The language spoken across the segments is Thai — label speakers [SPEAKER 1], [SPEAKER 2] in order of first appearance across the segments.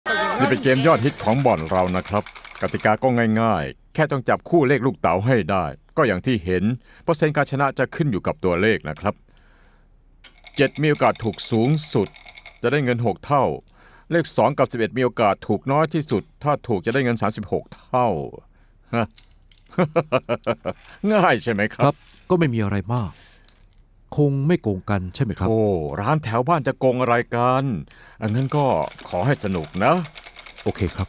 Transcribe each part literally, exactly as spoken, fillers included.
[SPEAKER 1] นี่เป็นเกมยอดฮิตของบ่อนเรานะครับกติกาก็ง่ายๆแค่ต้องจับคู่เลขลูกเต๋าให้ได้ก็อย่างที่เห็นเปอร์เซ็นต์การชนะจะขึ้นอยู่กับตัวเลขนะครับเจ็ดมีโอกาสถูกสูงสุดจะได้เงินหกเท่าเลขสองกับสิบเอ็ดมีโอกาสถูกน้อยที่สุดถ้าถูกจะได้เงินสามสิบหกเท่าฮะ ง่ายใช่ไหมค
[SPEAKER 2] ค
[SPEAKER 1] รั
[SPEAKER 2] รับ บก็ไม่มีอะไรมาก คงไม่โกงกันใช่ไหมครับ
[SPEAKER 1] โอ้ร้านแถวบ้านจะโกงอะไรกันอันนั้นก็ขอให้สนุกนะ
[SPEAKER 2] โอเคครับ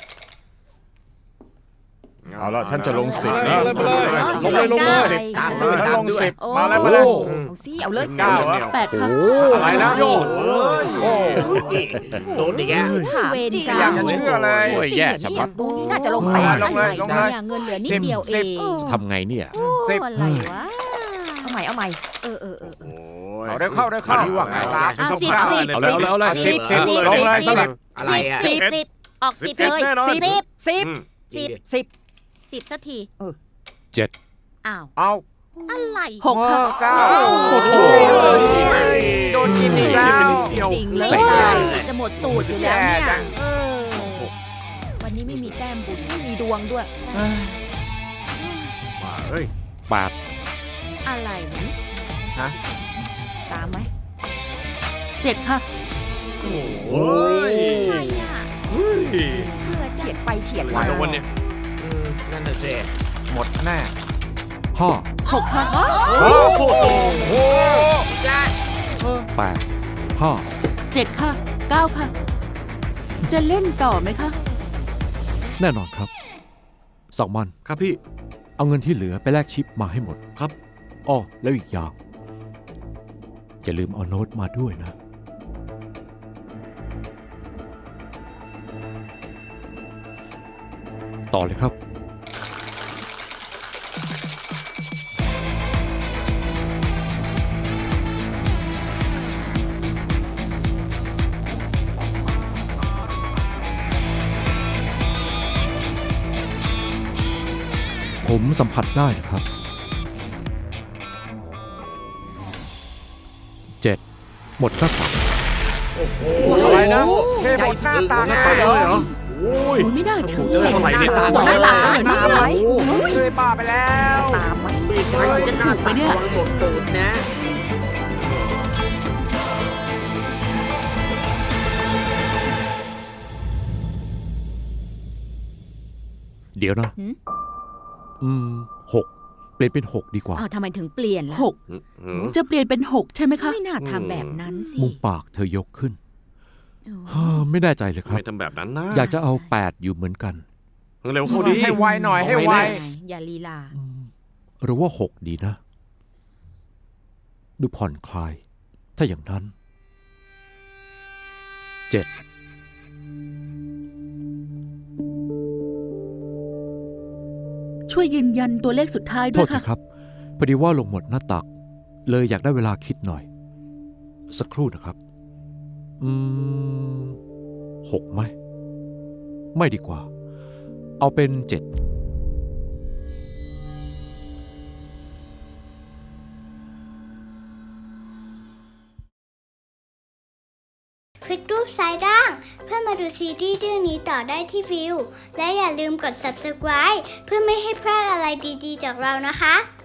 [SPEAKER 1] เอาละฉันจะลงสิบนะ
[SPEAKER 3] เลยมาเลยลงเลยลงเลย
[SPEAKER 1] สิบ
[SPEAKER 3] ตาม
[SPEAKER 1] ฉันลงสิบ
[SPEAKER 4] โอ้
[SPEAKER 1] มาแล้วมาแล้ว
[SPEAKER 4] เอาสิเอาเลย
[SPEAKER 1] เก้าเหรอ
[SPEAKER 4] แปดค่ะ
[SPEAKER 1] อะไรนะโยนโอ้
[SPEAKER 3] โดนอีกแก
[SPEAKER 4] ถามจริง
[SPEAKER 1] อยากจะเชื่อเลย
[SPEAKER 4] โอ้ยแย่ชะมัดดูนี่น่าจะลงไป
[SPEAKER 1] ลงเลยลงเลย
[SPEAKER 4] เงินเหลือนิดเดียวเอ
[SPEAKER 1] สิบ
[SPEAKER 4] ง
[SPEAKER 2] ทำไงเนี่ย
[SPEAKER 4] โอ้
[SPEAKER 1] สิบ
[SPEAKER 4] อะไรวะเอาใหม่เอาใหม่เออเออเออ
[SPEAKER 1] เอาเร็วเข้าเร็วเข้า
[SPEAKER 3] อันนี้ว่าไง
[SPEAKER 1] สาม
[SPEAKER 4] อ่ะสิบ
[SPEAKER 1] เก้า
[SPEAKER 4] สิบ
[SPEAKER 2] เอาแล้วเอาแล้ว
[SPEAKER 1] สิบสิบลงเลยสิบ
[SPEAKER 3] อะไรอ่ะ
[SPEAKER 4] สิบสิบออกสิบ
[SPEAKER 1] สิบ
[SPEAKER 4] เลย
[SPEAKER 1] แน่นอน
[SPEAKER 4] สิบสิบสิบ
[SPEAKER 3] อืม
[SPEAKER 4] สิบสิบสิบสักที
[SPEAKER 2] เจ็ด
[SPEAKER 4] อ้าว
[SPEAKER 1] เอา
[SPEAKER 4] อะไร
[SPEAKER 1] หกเก้าโอ้โหโดนกินอีกแล้ว
[SPEAKER 4] จริงเลยจะหมดตูดอยู่แล้วเนี่ยเออวันนี้ไม่มีแต้มบุญไม่มีดวงด้วย
[SPEAKER 1] มาเฮ้ย
[SPEAKER 2] แปด
[SPEAKER 4] อะไรนี่
[SPEAKER 1] ฮะ
[SPEAKER 4] ตามไหม
[SPEAKER 5] เจ็ดค่ะ
[SPEAKER 3] โอ้ย
[SPEAKER 4] ใช่อ่ะเพื่อเฉียดไปเฉียดมา
[SPEAKER 3] โดนเนี่ยอืมนั่นน่ะสิ
[SPEAKER 1] หมดแน่
[SPEAKER 2] ห้า
[SPEAKER 5] หกค่ะ
[SPEAKER 1] โอ้โห
[SPEAKER 2] แปดห้า
[SPEAKER 5] เจ็ดค่ะเก้าค่ะ จะเล่นต่อไหมคะ
[SPEAKER 2] แน่นอนครับสองมัน
[SPEAKER 3] ครับพี่
[SPEAKER 2] เอาเงินที่เหลือไปแลกชิปมาให้หมด
[SPEAKER 3] ครับ
[SPEAKER 2] อ้อแล้วอีกอย่างอย่าลืมเอาโน้ตมาด้วยนะ ต่อเลยครับ ผมสัมผัสได้นะครับ เจ็ดหมดหน้าตัก
[SPEAKER 1] อะไรนะเทหมดหน้าตา
[SPEAKER 3] หน้าตาเลยเหรอโอ้ย
[SPEAKER 5] โอ้ยไม่น่าเชื่อ
[SPEAKER 3] เจอเท่าไหร่เนี่ย
[SPEAKER 4] หมดหน้าตาเลยนี่ไหม
[SPEAKER 1] เลยบ้าไปแล้ว
[SPEAKER 4] ตามไหม
[SPEAKER 5] จะถูกไปเนี่ย
[SPEAKER 3] หมดตูดนะ
[SPEAKER 2] เดี๋ยวนะ อืมหกเปลี่ยนเป็นหกดีกว่า
[SPEAKER 4] อ้าวทำไมถึงเปลี่ยนล่ะ
[SPEAKER 5] หกจะเปลี่ยนเป็นหกใช่ไหมคะ
[SPEAKER 4] ไม่น่าทำแบบนั้นสิ
[SPEAKER 2] มุมปากเธอยกขึ้น
[SPEAKER 4] โอ้
[SPEAKER 2] ฮ่าไม่แน่ใจเลยครับ
[SPEAKER 3] ไม่ทำแบบนั้นนะ
[SPEAKER 2] อยากจะเอาแปดอยู่เหมือนกัน
[SPEAKER 3] เร็วเข้าดี
[SPEAKER 1] ให้ไวหน่อยให้ไว
[SPEAKER 4] อย่าลีลา
[SPEAKER 2] อืมหรือว่าหกดีนะ ดูผ่อนคลาย ถ้าอย่างนั้นเจ็ด
[SPEAKER 5] ช่วยยืนยันตัวเลขสุดท้าย
[SPEAKER 2] โท
[SPEAKER 5] ด้ว
[SPEAKER 2] ษ
[SPEAKER 5] ย
[SPEAKER 2] ที
[SPEAKER 5] ค่ะ
[SPEAKER 2] ครับ พอดีว่าลงหมดหน้าตัก เลยอยากได้เวลาคิดหน่อย สักครู่นะครับ อืมหกไหม ไม่ดีกว่า เอาเป็นเจ็ด
[SPEAKER 6] คลิกรูปซ้ายล่าง เพื่อมาดูซีรีส์เรื่องนี้ต่อได้ที่วิว และอย่าลืมกด ซับสไครบ์ เพื่อไม่ให้พลาดอะไรดีๆจากเรานะคะ